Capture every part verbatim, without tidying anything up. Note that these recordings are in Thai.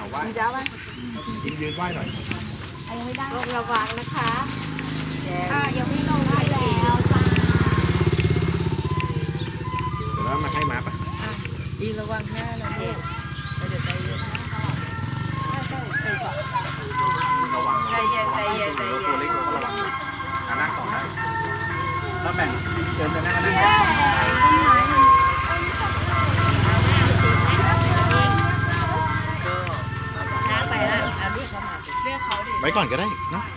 เขาไหว้จ้าไหมยืนยืนไหว้หน่อยยังไม่ได้ลงระวังนะคะอ่ายังไม่ลงได้แล้วจ้าเดี๋ยวเรามาให้มาปะดีระวังหน้านะลูกเดี๋ยวใจเย็นระวังใจเย็นใจเย็นใจเย็นตัวเล็กเราก็ระวังอ่านั่งต่อได้แล้วแบ่งเดินไปนั่งนั่งกันไปแล้วเอาเรียกเขามาเรียกเขาดิไว้ก่อนก็ได้เนาะ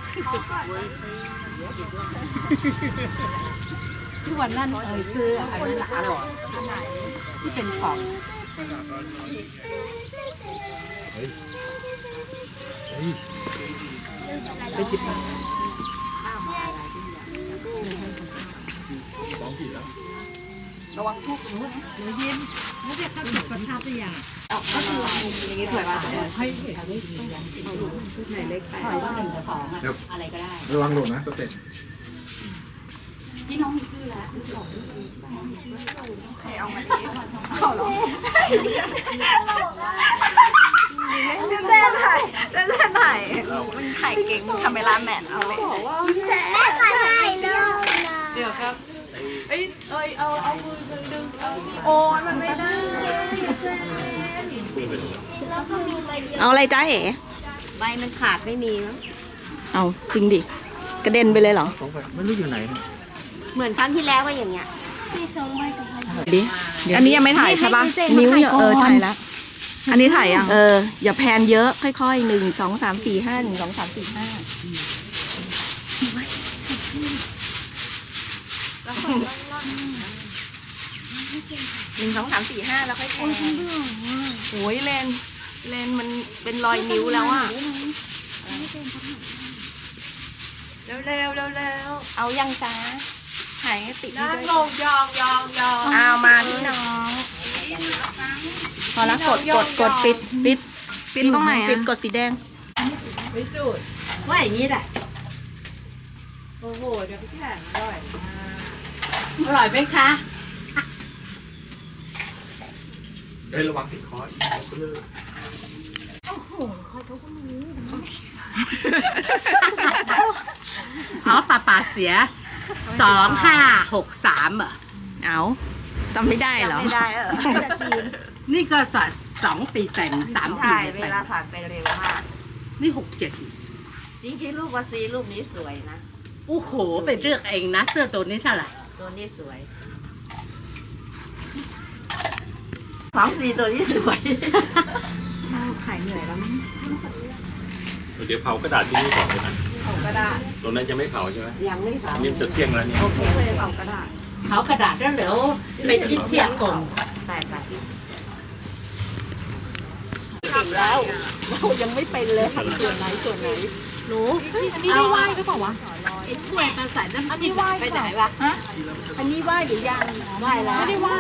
ที่วันนั้นเอ่ยซื้ออันนั้นอร่อยอันไหนที่เป็นของเฮ้ยเฮ้ยไปจิบมาร้องผิดแล้วระวังทุกหนูหนูยิ้มไม่ได้เข้าจุดประทับอย่างก็คืออย่างนี้ถอยมาให้เห็นไหนเล็กไปถอยว่าหนึ่งกับสองอะอะไรก็ได้ระวังหล่นนะสเต็ปพี่น้องมีชื่อแล้วคือสองใครเอามาดีเอาหรอเต้นถ่ายเต้นถ่ายมันถ่ายเก่งคาเมล่าแมนเอาเลยเดี๋ยวครับเอ้ยเอ้ยเอาเอามือดึงเอาโอ้มันไม่ได้เอาอะไรจ้าเอ๋ใบมันขาดไม่มีมั้งเอาจริงดิ กระเด็นไปเลยเหรอไม่รู้อยู่ไหนเหมือนครั้งที่แล้วก็อย่างเงี้ยดิอันนี้ยังไม่ถ่ายใช่ปะนิ้วเนี่ยเออถ่ายแล้วอันนี้ถ่ายยังเออ อย่าแพนเยอะ ค่อยๆหนึ่งสองสามสี่ห้าหนึ่งสองสามสี่ห้าหนึ่งสองสามสี่ห้าแล้วค่อยแพนโอ้ยเลนเลนมันเป็นรอยนิ้วแล้วอ่ะเร็วเร็วเร็วเร็วเอายังจ้าถ่ายให้ติดนั่ด้วยงลงยองยองยองเอามาพี่น้องพอแล้วกดกดกดปิดปิดปิดตรงไหนปิดกดสีแดงไม่จุดว่าอย่างนี้แหละโอ้โหเดี๋ยวพี่แข่งอร่อยอร่อยไหมคะเฮ้ยระวังติดคออีกก็เลยอ๋อป่าป่าเสียสองห้าหกสามเหรอเอาจำไม่ได้เหรอไม่ได้เออจีนนี่ก็สสองปีแต่งสามปีใช่เวแต่งลาผ่านไปเร็วมากนี่หกเจ็ดจริงๆรูปวาซีรูปนี้สวยนะโอ้โหไปเลือกเองนะ เสื้อตัวนี้เท่าไหร่ตัวนี้สวยสองสีตัวนี้สวยขายเหนื่อยแล้วมั้งเดี๋ยวเผากระดาษที่นี่ก่อนเลยนะเอาก็ได้ตรงนั้นจะไม่เผาใช่ไหมยังไม่เผานี่จะเที่ยงแล้วเนี่ยโอเคเอากระดาษเขากระดาษแล้วเหลวไปคิดเทียบก่อนใส่ไปเก่งแล้วเรายังไม่เป็นเลยส่วนไหนส่วนไหนหนูอันนี้ได้ไหว้หรือเปล่าวะไอ้ถ้วยมาใส่น้ำอันจิ้นี้มไหว้ไปไหนวะอันนี้ไหว้หรือยังไหว้แล้วไม่ได้ไหว้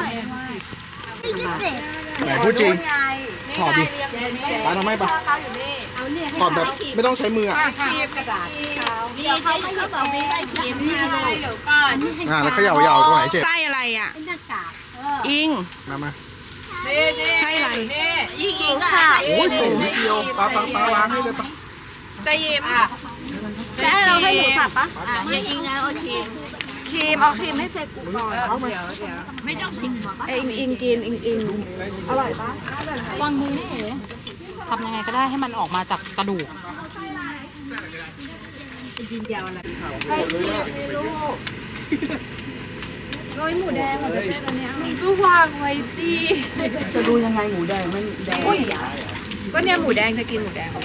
ไหนพูดจริงถอดดิร้านเอาไหมปะถอดแบบไม่ต้องใช้มืออ่ะคีบกระดาษมีเขาเขาบอกมีได้เขียนมาเลยเดี๋ยวก่อนอ่าแล้วเขย่ายาวตรงไหนเจ็บไส้อะไรอ่ะหน้ากากอิงมามานี่นี่ใช่อะไรนี่อีกอีกค่ะโอ้ยโอ้ยเดียวปลาปลาปลาล้างให้เลยปะจะยิ้มอ่ะแค่เราให้หมูสับปะอ่ะอย่าอิงนะโอเคครีมเอาครีมให้เสร็จกูก่อนเอาไหมเดี๋ยวเดี๋ยวไม่ต้องทิ้งหรอกเอิงอิงกินอิงอิงอร่อยปะวางมือนี่เอ๋ทำยังไงก็ได้ให้มันออกมาจากกระดูกโรยหมูแดงมันจะเป็นอันเนี้ยมันก็วางไว้สิจะดูยังไงหมูแดงไม่แดงก็เนี่ยหมูแดงจะกินหมูแดง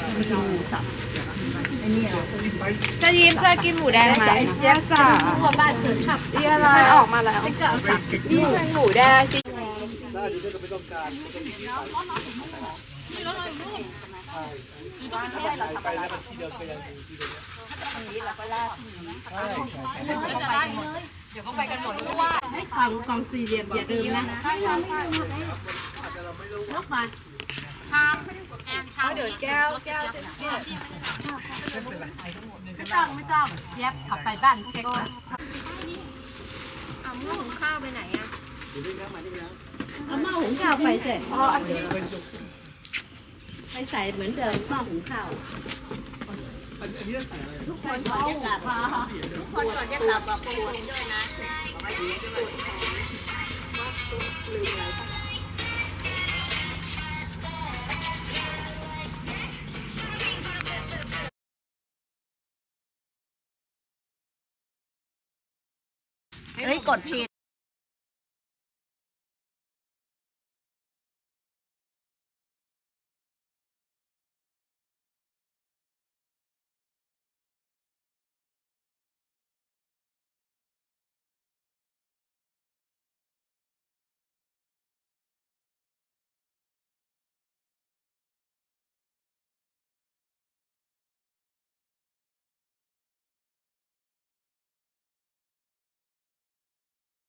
จะยิ้มจะกินหมูแดงไหมเย้จ้าหัวบ้านเกิดชอบเย้อะไรออกมาแล้วนี่เป็นหมูแดงจริงกล่องกล่องสี่เหลี่ยมอย่าลืมนะลูกมาเดี๋ยวแก้วแก้วจะเก็บไม่ต้องไม่ต้องแยบขับไปบ้านเช็คนะเอาหม้อหุงข้าวไปไหนอ่ะเอาหม้อหุงข้าวไปเสร็จไปใส่เหมือนเดิมหม้อหุงข้าวทุกคนก่อนจะกลับทุกคนก่อนจะกลับบอกปูนด้วยนะเฮ้ยกดผิด